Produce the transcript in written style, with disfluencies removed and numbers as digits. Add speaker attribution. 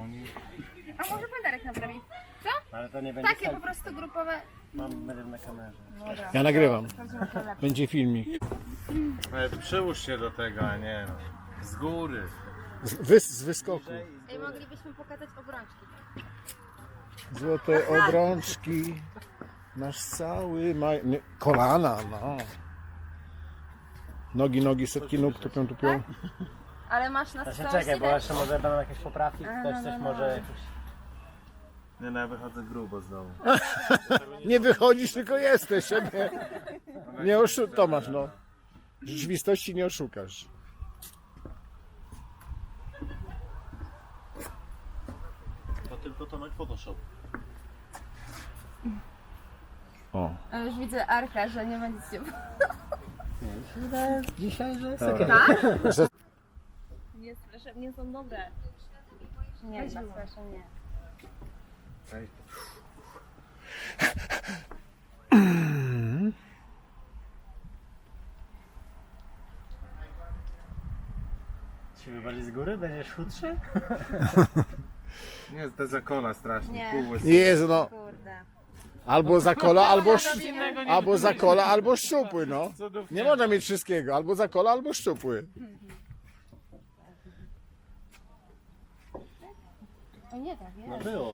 Speaker 1: A może pan Darek naprawi? Co?
Speaker 2: Ale to nie będzie
Speaker 1: Takie po prostu grupowe.
Speaker 2: Będę na kamerze.
Speaker 1: Dobra.
Speaker 3: Ja nagrywam.
Speaker 1: Sprawdzimy, co lepsze.
Speaker 3: Będzie filmik.
Speaker 4: Ale przyłóż się do tego, a nie z góry.
Speaker 3: Z wyskoku.
Speaker 1: Ej, moglibyśmy pokazać obrączki.
Speaker 3: Złote obrączki. Nasz cały kolana, no. Nogi, setki nóg tupią.
Speaker 1: Ale masz na
Speaker 2: To się
Speaker 1: stole
Speaker 2: czekaj, bo jeszcze może będą jakieś poprawki, ktoś
Speaker 1: no,
Speaker 2: coś
Speaker 1: no.
Speaker 2: może jakieś...
Speaker 4: Nie, no ja wychodzę grubo z domu.
Speaker 3: Nie wychodzisz, tylko jesteś. Siebie. Nie Tomasz, no. Rzeczywistości nie oszukasz.
Speaker 4: To tylko Tomek Photoshop.
Speaker 3: O.
Speaker 1: A już widzę Arka, że nie będziecie...
Speaker 2: Dzisiaj, że jest
Speaker 3: Że
Speaker 1: Nie, proszę, nie są dobre. Nie, proszę, nie.
Speaker 2: Siły bardziej z góry? Będziesz chudszy?
Speaker 4: Nie, te zakola strasznie.
Speaker 1: Nie.
Speaker 4: Półłysy.
Speaker 3: Jezu, no.
Speaker 1: Kurde.
Speaker 3: Albo zakola, albo szczupły, no. Nie można mieć wszystkiego. Albo zakola, albo szczupły.
Speaker 1: O nie, tak, nie.
Speaker 2: No było.